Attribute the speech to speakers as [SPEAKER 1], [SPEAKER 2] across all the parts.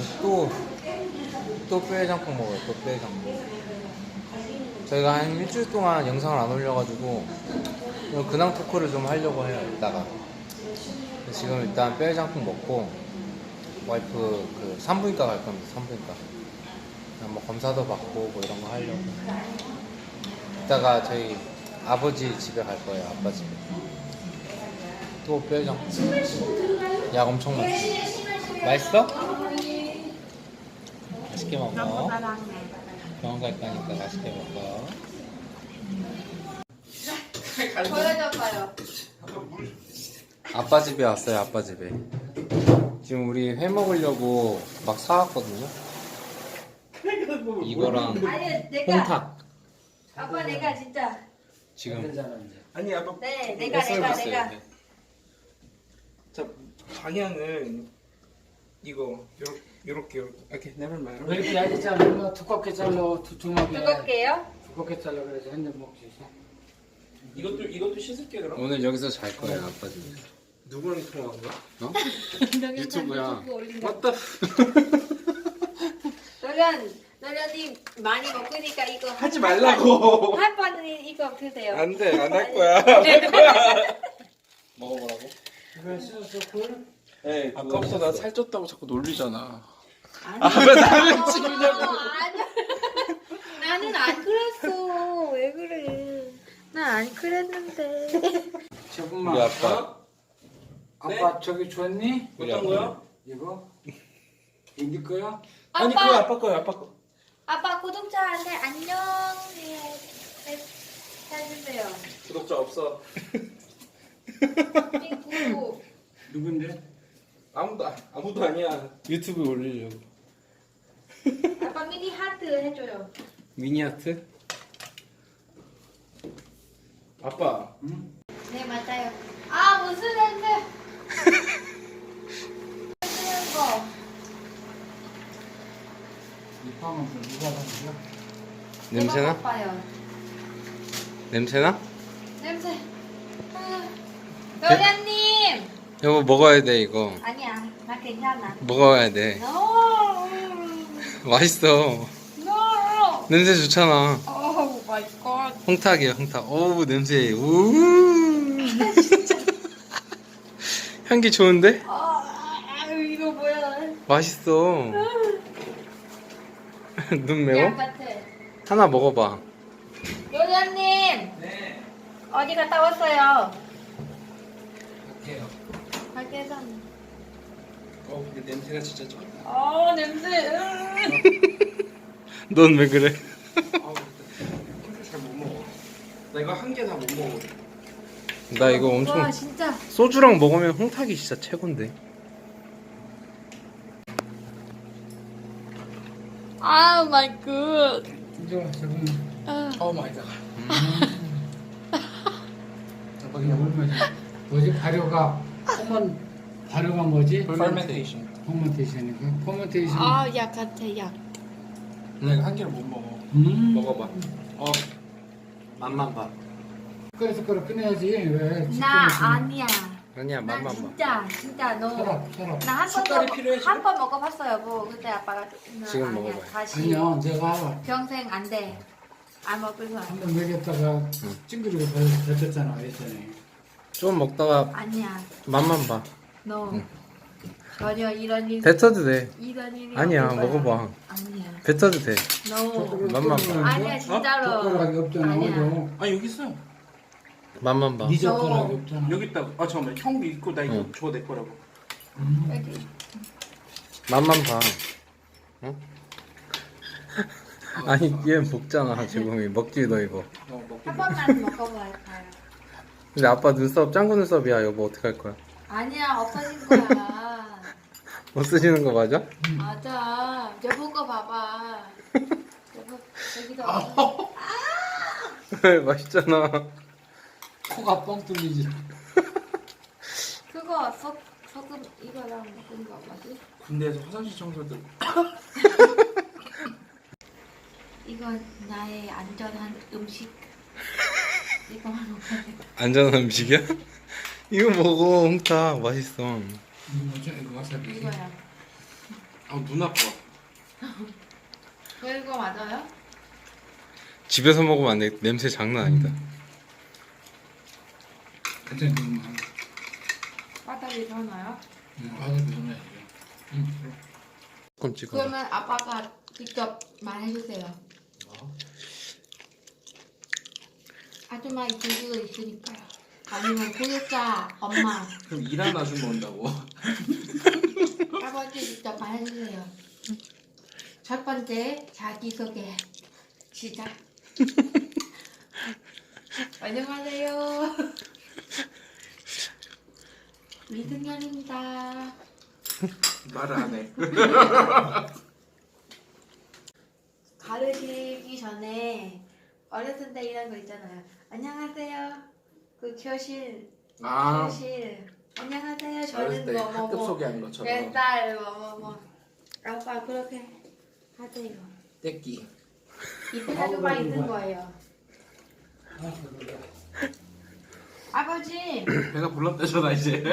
[SPEAKER 1] 또 뼈해장국 먹어요. 또 뼈해장국. 저희가 한 일주일 동안 영상을 안 올려가지고 근황 토크를 좀 하려고 해요. 이따가 지금 일단 뼈해장국 먹고 와이프 그 산부인과 갈 겁니다. 산부인과 그냥 뭐 검사도 받고 뭐 이런 거 하려고. 이따가 저희 아버지 집에 갈 거예요. 아빠 집에. 또 뼈해장국. 약 엄청 많지. 맛있어? 맛있게 먹어. 병원 갈 거니까 맛있게 먹어.
[SPEAKER 2] 보여줘봐요.
[SPEAKER 1] 아빠 집에 왔어요. 아빠 집에. 지금 우리 회 먹으려고 막 사왔거든요. 이거랑
[SPEAKER 2] 아니 내가
[SPEAKER 1] 홍탁.
[SPEAKER 2] 아빠 내가 진짜
[SPEAKER 1] 지금
[SPEAKER 3] 아니 아빠
[SPEAKER 2] 네 내가
[SPEAKER 3] 자 방향은 이거 요렇게 이렇게 내면 말아.
[SPEAKER 4] 왜 이렇게 얇게 잘라? 두껍게 잘라. 두툼하게.
[SPEAKER 2] 뜨겁게요?
[SPEAKER 4] 두껍게 잘라 그래서 한 잔 먹지.
[SPEAKER 3] 이것도 씻을게 그럼.
[SPEAKER 1] 오늘 여기서 잘 거예요. 아빠 집에.
[SPEAKER 3] 누구랑 통화한 거야?
[SPEAKER 1] 어? 유튜브야.
[SPEAKER 3] 맞다.
[SPEAKER 2] 노련님 많이 먹으니까 이거
[SPEAKER 3] 하지 말라고.
[SPEAKER 2] 한 번은 이거 드세요.
[SPEAKER 3] 안돼 안 할 거야. 안 할 거야.
[SPEAKER 1] 먹어보라고?
[SPEAKER 4] 왜 쓰셨어? 꿀?
[SPEAKER 3] 네, 아까부터 나 살쪘다고 자꾸 놀리잖아.
[SPEAKER 2] 아니,
[SPEAKER 3] 왜 나를 찍으냐고.
[SPEAKER 2] 아니, 나는 안 그랬어. 왜 그래? 난 안 그랬는데.
[SPEAKER 4] 조금만.
[SPEAKER 1] 우리 아빠.
[SPEAKER 4] 아빠 저기 줬니?
[SPEAKER 3] 어떤 거야?
[SPEAKER 4] 이거? 이네 거야?
[SPEAKER 3] 아니 그거 아빠 거야 아빠 거.
[SPEAKER 2] 아빠 구독자한테 안녕 해주세요.
[SPEAKER 3] 구독자 없어.
[SPEAKER 2] 구독.
[SPEAKER 4] 누군데?
[SPEAKER 3] 아무도 아니야. 유튜브에 올리려고.
[SPEAKER 2] 아빠 미니 하트 해줘요.
[SPEAKER 1] 미니아트?
[SPEAKER 3] 아빠.
[SPEAKER 4] 응?
[SPEAKER 2] 네 맞아요. 아 무슨 냄새? 쓰는 거.
[SPEAKER 4] 이 빵은 누가 받는
[SPEAKER 1] 냄새나?
[SPEAKER 2] 봐요.
[SPEAKER 1] 냄새나?
[SPEAKER 2] 냄새. 노련님.
[SPEAKER 1] 여보 먹어야 돼 이거.
[SPEAKER 2] 아니야 나 괜찮아.
[SPEAKER 1] 먹어야 돼.
[SPEAKER 2] No.
[SPEAKER 1] 맛있어.
[SPEAKER 2] No.
[SPEAKER 1] 냄새 좋잖아.
[SPEAKER 2] Oh my god.
[SPEAKER 1] 홍탁이야 홍탁. 어우 냄새. 우. 향기 좋은데?
[SPEAKER 2] 이거 뭐야?
[SPEAKER 1] 맛있어. 눈 매워?
[SPEAKER 2] 약 같아.
[SPEAKER 1] 하나 먹어봐.
[SPEAKER 2] 노련님
[SPEAKER 3] 네.
[SPEAKER 2] 어디 갔다 왔어요?
[SPEAKER 3] 갈게요.
[SPEAKER 2] 밖에서.
[SPEAKER 3] 근데 냄새가 진짜 쩔다.
[SPEAKER 2] 냄새.
[SPEAKER 1] 넌 왜 그래?
[SPEAKER 3] 술 잘 못 먹어. 나 이거 한 개 다 못 먹어.
[SPEAKER 1] 나 이거 엄청
[SPEAKER 2] 와 진짜.
[SPEAKER 1] 소주랑 먹으면 홍탁이 진짜 최곤데.
[SPEAKER 2] 아 마이 굿.
[SPEAKER 4] 이거 조금.
[SPEAKER 3] 오 마이 갓.
[SPEAKER 4] 아빠 그냥 얼마지? 뭐지? 발효가 발효가 뭐지?
[SPEAKER 3] 퍼멘테이션.
[SPEAKER 4] 포멘테이션이니까. 포멘테이션.
[SPEAKER 2] 약 같아 약.
[SPEAKER 3] 나 이거 한 개를 못 먹어. 먹어봐. 맛만 봐.
[SPEAKER 4] 그래서 그걸 꺼내야지. 왜?
[SPEAKER 2] 나 아니야.
[SPEAKER 1] 아니야
[SPEAKER 2] 나
[SPEAKER 1] 맛만 봐.
[SPEAKER 2] 진짜 너.
[SPEAKER 4] 서랍.
[SPEAKER 2] 나
[SPEAKER 3] 숟갈이 필요해,
[SPEAKER 2] 한 번 먹어봤어요. 뭐 그때 아빠가 너
[SPEAKER 1] 지금
[SPEAKER 2] 아니야.
[SPEAKER 1] 먹어봐요.
[SPEAKER 2] 다시
[SPEAKER 4] 아니야, 내가
[SPEAKER 2] 평생 안 돼. 안 먹을 거야.
[SPEAKER 4] 한 번 먹였다가 찡그리고 뱉었잖아, 예전에.
[SPEAKER 1] 좀 먹다가
[SPEAKER 2] 아니야.
[SPEAKER 1] 맛만 봐.
[SPEAKER 2] 너 전혀 이런 일
[SPEAKER 1] 뱉어도 돼.
[SPEAKER 2] 이런 일이
[SPEAKER 1] 아니야
[SPEAKER 2] 없을 거야.
[SPEAKER 1] 먹어봐.
[SPEAKER 2] 아니야.
[SPEAKER 1] 뱉어도 돼.
[SPEAKER 2] 너
[SPEAKER 1] 맛만 봐.
[SPEAKER 2] 아니야 진짜로.
[SPEAKER 4] 젓가락이 없잖아,
[SPEAKER 2] 아니야.
[SPEAKER 4] 어디도.
[SPEAKER 3] 아 여기 있어.
[SPEAKER 1] 맛만 봐.
[SPEAKER 4] 네 젓가락이 없잖아.
[SPEAKER 3] 여기 있다. 잠깐만. 형 있고 나 이거
[SPEAKER 1] 응.
[SPEAKER 3] 줘 내 거라고.
[SPEAKER 2] 여기.
[SPEAKER 1] 맛만 봐. 어? 아니 얘 먹잖아 지금 먹지도 이거.
[SPEAKER 3] 먹기.
[SPEAKER 2] 한 번만 먹어봐요.
[SPEAKER 1] 근데 아빠 눈썹 짱구 눈썹이야 여보 어떻게 할 거야?
[SPEAKER 2] 아니야 없어진 거야.
[SPEAKER 1] 못 쓰시는 거 맞아?
[SPEAKER 2] 맞아. 여보 거 봐봐. 여보 여기도.
[SPEAKER 1] 맛있잖아.
[SPEAKER 4] 코가 뻥 뚫리지.
[SPEAKER 2] 그거 소금 이거랑 먹은 거 맞지?
[SPEAKER 3] 군대에서 화장실 청소들.
[SPEAKER 2] 이건 나의 안전한 음식. 이거만 먹어야 돼.
[SPEAKER 1] 안전한 음식이야? 이거 먹어 홍탁 맛있어.
[SPEAKER 4] 이거 와사비.
[SPEAKER 2] 이거야.
[SPEAKER 3] 눈 아파.
[SPEAKER 2] 그거 맞아요?
[SPEAKER 1] 집에서 먹으면 안 돼. 냄새 장난 아니다.
[SPEAKER 4] 그때 좀
[SPEAKER 2] 바닥에 사나요?
[SPEAKER 4] 와서 그러면
[SPEAKER 1] 조금 찍어.
[SPEAKER 2] 그러면 아빠가 직접 말해주세요. 아줌마 이쪽도 있으니까요. 아니면 구독자 엄마
[SPEAKER 3] 그럼 일하는 아줌마 온다고.
[SPEAKER 2] 아버지 직접 말해주세요. 첫 번째 자기소개 시작. 안녕하세요. 미승현입니다.
[SPEAKER 3] 말을 안 해.
[SPEAKER 2] 가르치기 전에 어렸을 때 이런 거 있잖아요. 안녕하세요. 그 교실 안녕하세요.
[SPEAKER 3] 어렸을
[SPEAKER 2] 저는
[SPEAKER 3] 때 학급
[SPEAKER 2] 뭐뭐뭐
[SPEAKER 3] 소개하는 것처럼.
[SPEAKER 2] 몇살 뭐뭐뭐 아빠 그렇게 하세요.
[SPEAKER 3] 떼끼.
[SPEAKER 2] 이쁜 아줌마 있는 거예요. 아버지
[SPEAKER 3] 배가 불렀대잖아 이제.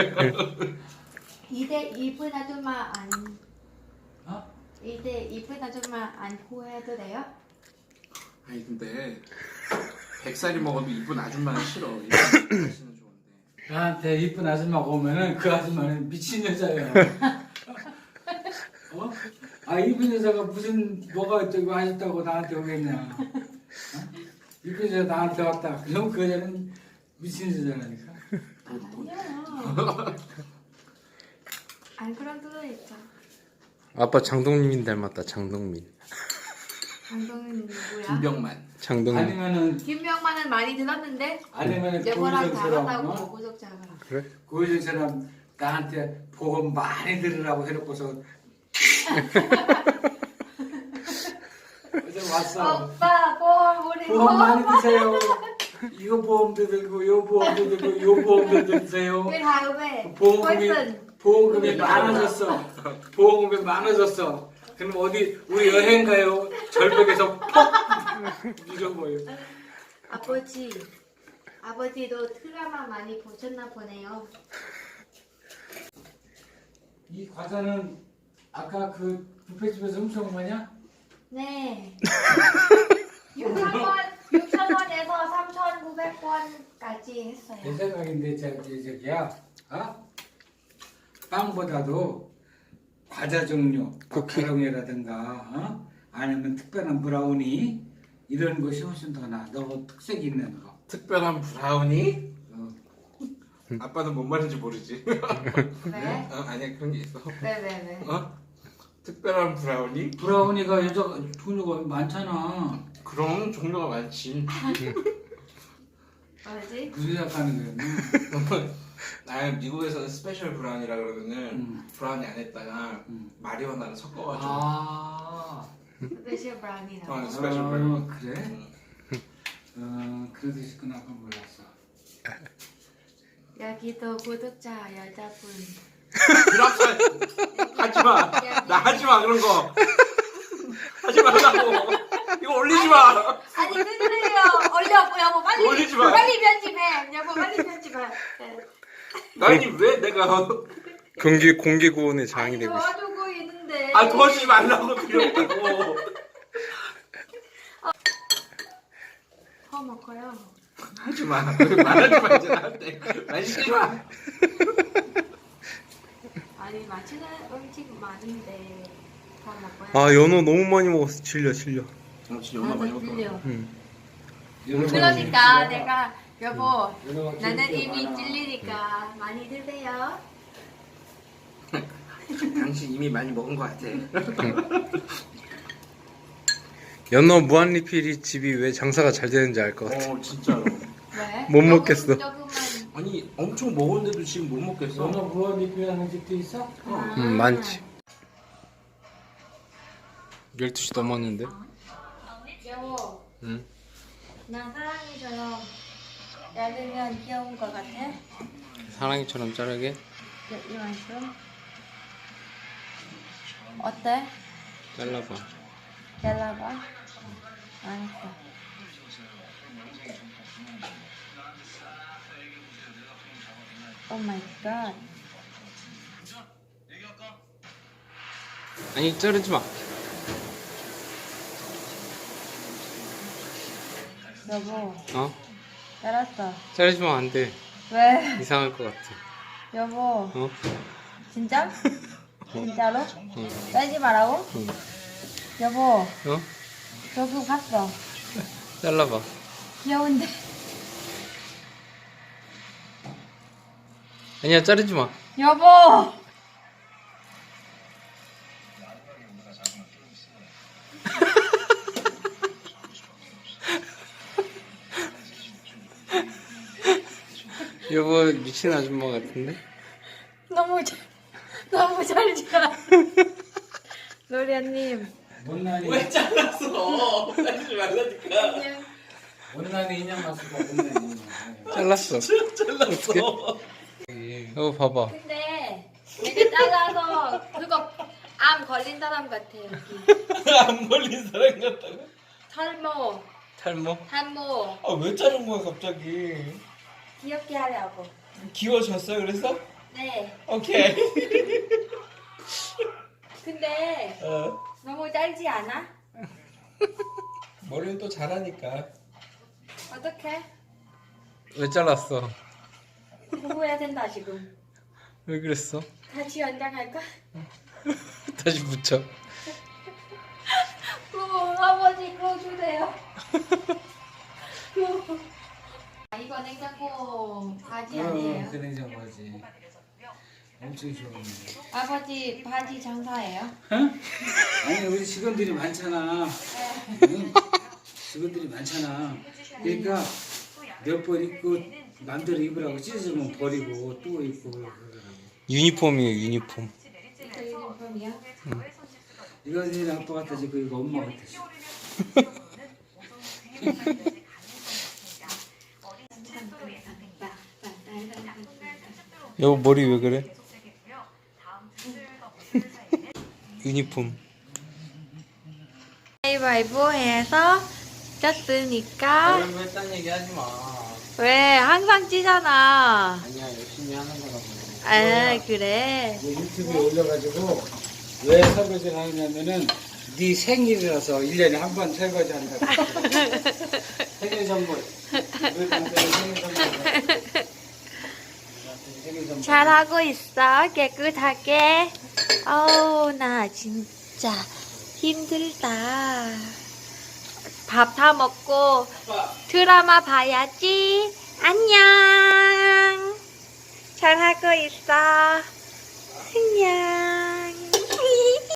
[SPEAKER 2] 이대 이쁜 아줌마 안
[SPEAKER 4] 어?
[SPEAKER 2] 이대 이쁜 아줌마 안 후회해도 돼요?
[SPEAKER 3] 아니 근데 100살이 먹어도 이쁜 아줌마는 싫어. 이쁜 아저씨는 좋은데.
[SPEAKER 4] 나한테 이쁜 아줌마 오면은 그 아줌마는 미친 여자예요. 어? 아 이쁜 여자가 무슨 뭐가 어쩌고 하셨다고 나한테 오겠냐? 어? 이쁜 여자 나한테 왔다. 그럼 그 여자는 미친 여자라니까.
[SPEAKER 2] 아니야. 안 그런 뜻도 있죠.
[SPEAKER 1] 아빠 장동민 닮았다. 장동민.
[SPEAKER 2] 강동은 누구야?
[SPEAKER 3] 김병만.
[SPEAKER 1] 장동민.
[SPEAKER 4] 아니면은
[SPEAKER 2] 김명만은 많이 들었는데
[SPEAKER 4] 아니면은
[SPEAKER 2] 여보랑
[SPEAKER 4] 고유정처럼
[SPEAKER 2] 다르다고 구독자가.
[SPEAKER 1] 그래?
[SPEAKER 4] 고유정처럼 나한테 보험 많이 들으라고 해놓고서 어제 왔어.
[SPEAKER 2] 오빠 보험 우리
[SPEAKER 4] 보험 많이 드세요. 이거 보험도 들고 요 보험도 들고 요 보험도 드세요.
[SPEAKER 2] 그 다음에
[SPEAKER 4] 보험금이
[SPEAKER 2] 벌슨
[SPEAKER 4] 보험금이 많아졌어. 보험금이 많아졌어. 그럼 어디 우리 여행 가요? 절벽에서 퍽 잊어버려.
[SPEAKER 2] 아버지도 드라마 많이 보셨나 보네요.
[SPEAKER 4] 이 과자는 아까 그 뷔페집에서 훔쳐온 거냐?
[SPEAKER 2] 네. 6,000원에서 3,900원까지 했어요.
[SPEAKER 4] 내 생각인데 저기야, 어? 빵보다도 과자 종류, 마카롱이라든가, 어? 아니면 특별한 브라우니 이런 것이 훨씬 더 나아. 너 특색 있는 거.
[SPEAKER 3] 특별한 브라우니?
[SPEAKER 4] 어.
[SPEAKER 3] 아빠는 뭔 말인지 모르지.
[SPEAKER 2] 왜?
[SPEAKER 3] 아니야 그런 게 있어.
[SPEAKER 2] 왜?
[SPEAKER 3] 어? 특별한 브라우니?
[SPEAKER 4] 브라우니가 여자 종류가 많잖아.
[SPEAKER 3] 그럼 종류가 많지.
[SPEAKER 2] 뭐지?
[SPEAKER 4] 무슨 생각하는 거야?
[SPEAKER 3] 나 미국에서는 스페셜 브라우니라 그러면은 브라우니 안에다가 마리오나를 섞어가지고.
[SPEAKER 4] 아,
[SPEAKER 2] 스페셜 브라운이라고.
[SPEAKER 3] 스페셜 브라우니.
[SPEAKER 4] 그래? 그래도 있구나. 그건 몰랐어.
[SPEAKER 2] 여기도 구독자 여자분.
[SPEAKER 3] 하지마. 나 하지마 그런 거. 하지 말라고. 이거 올리지 마.
[SPEAKER 2] 아니 그래요. 올려 여보 빨리.
[SPEAKER 3] 올리지 마.
[SPEAKER 2] 빨리 편집해. 여보 빨리 편집해. 네.
[SPEAKER 3] 아니 왜 내가
[SPEAKER 1] 공개 구원의 장이
[SPEAKER 2] 아니
[SPEAKER 1] 되고 있어.
[SPEAKER 2] 도와주고 있는데.
[SPEAKER 3] 도와주지 말라고 그러고.
[SPEAKER 2] 먹어요.
[SPEAKER 3] 하지마. 말하지 마 이제 나한테. 말 시키지 마.
[SPEAKER 2] 아니 맛있는 음식 많은데 다 먹어요.
[SPEAKER 1] 아 연어 너무 많이 먹었어. 질려.
[SPEAKER 3] 진짜 연어 많이 먹어.
[SPEAKER 1] 응.
[SPEAKER 2] 그러니까 내가 여보
[SPEAKER 4] 연어가
[SPEAKER 2] 나는
[SPEAKER 4] 기름기가
[SPEAKER 2] 이미
[SPEAKER 4] 많아.
[SPEAKER 2] 찔리니까 많이 드세요.
[SPEAKER 3] 당신 이미 많이 먹은 거 같아.
[SPEAKER 1] 연어 무한리필이 집이 왜 장사가 잘 되는지 알 것 같아.
[SPEAKER 3] 진짜로.
[SPEAKER 2] 왜?
[SPEAKER 1] 못 먹겠어.
[SPEAKER 2] 조금만.
[SPEAKER 3] 아니 엄청 먹었는데도 지금 못 먹겠어.
[SPEAKER 4] 연어 무한 리필하는 집도 있어?
[SPEAKER 1] 많지. 12시 넘었는데?
[SPEAKER 2] 여보
[SPEAKER 1] 응.
[SPEAKER 2] 난 사랑이처럼 야들면 귀여운 것 같아?
[SPEAKER 1] 사랑이처럼 자르게?
[SPEAKER 2] 이만큼? 어때?
[SPEAKER 1] 잘라봐.
[SPEAKER 2] 잘라봐. 알았어. 오 마이 갓.
[SPEAKER 1] 아니 자르지 마.
[SPEAKER 2] 여보,
[SPEAKER 1] 어?
[SPEAKER 2] 알았어.
[SPEAKER 1] 자르지 마, 안 돼.
[SPEAKER 2] 왜?
[SPEAKER 1] 이상할 것 같아.
[SPEAKER 2] 여보,
[SPEAKER 1] 어?
[SPEAKER 2] 진짜? 진짜로?
[SPEAKER 1] 응.
[SPEAKER 2] 짜지 말라고?
[SPEAKER 1] 응.
[SPEAKER 2] 여보,
[SPEAKER 1] 어?
[SPEAKER 2] 저기 봤어.
[SPEAKER 1] 잘라봐.
[SPEAKER 2] 귀여운데.
[SPEAKER 1] 아니야, 자르지 마.
[SPEAKER 2] 여보!
[SPEAKER 1] 여보 미친 아줌마 같은데?
[SPEAKER 2] 너무 잘 지어. 노리아님.
[SPEAKER 4] 못난이
[SPEAKER 3] 왜 잘랐어? 자르지 말라니까.
[SPEAKER 2] 그냥
[SPEAKER 4] 못난이 인형 맞고 못난이.
[SPEAKER 1] 잘랐어.
[SPEAKER 3] 잘랐어.
[SPEAKER 1] 여보 봐봐.
[SPEAKER 2] 근데 되게 작아서 그거 암 걸린 사람 같아 여기.
[SPEAKER 3] 안 걸린 사람 같다고?
[SPEAKER 2] 탈모,
[SPEAKER 1] 탈모?
[SPEAKER 2] 탈모.
[SPEAKER 3] 아 왜 자른 거야 갑자기?
[SPEAKER 2] 귀엽게 하려고.
[SPEAKER 3] 귀여워졌어요 그래서?
[SPEAKER 2] 네.
[SPEAKER 3] 오케이.
[SPEAKER 2] 근데 너무 짧지 않아?
[SPEAKER 3] 머리는 또 잘하니까.
[SPEAKER 2] 어떡해?
[SPEAKER 1] 왜 잘랐어?
[SPEAKER 2] 공부해야 된다 지금.
[SPEAKER 1] 왜 그랬어?
[SPEAKER 2] 다시 연장할까?
[SPEAKER 1] 다시 붙여.
[SPEAKER 2] 아버지 그거 주세요. 이거 냉장고 바지 아니에요?
[SPEAKER 4] 그 냉장고지. 엄청 좋은데.
[SPEAKER 2] 아버지 바지 장사예요?
[SPEAKER 4] 어? 아니 우리 직원들이 많잖아.
[SPEAKER 2] 네.
[SPEAKER 4] 응? 직원들이 많잖아. 그러니까 몇 번 입고 맘대로 입으라고 찢어지면 버리고 또 입고 그러더라고.
[SPEAKER 1] 유니폼이에요, 유니폼.
[SPEAKER 2] 이거 유니폼이야?
[SPEAKER 4] 이거는 아빠 같아지 그 이거 엄마 같아지.
[SPEAKER 1] 여보 머리 왜 그래? 유니폼.
[SPEAKER 2] 가위바위보 해서 쪘으니까
[SPEAKER 1] 거 했다는 얘기 하지 마.
[SPEAKER 2] 왜 항상 찌잖아.
[SPEAKER 1] 아니야, 열심히 하는 거라고.
[SPEAKER 2] 아 그래.
[SPEAKER 4] 이거 유튜브에 올려가지고 왜 설거지를 하냐면은 네 생일이라서 1년에 한 번 설거지 한다고. 생일 선물. 늘 간단히 생일 선물. 생일 선물.
[SPEAKER 2] 잘하고 있어 깨끗하게. 어우 나 진짜 힘들다. 밥 다 먹고 드라마 봐야지. 안녕. 잘하고 있어. 안녕.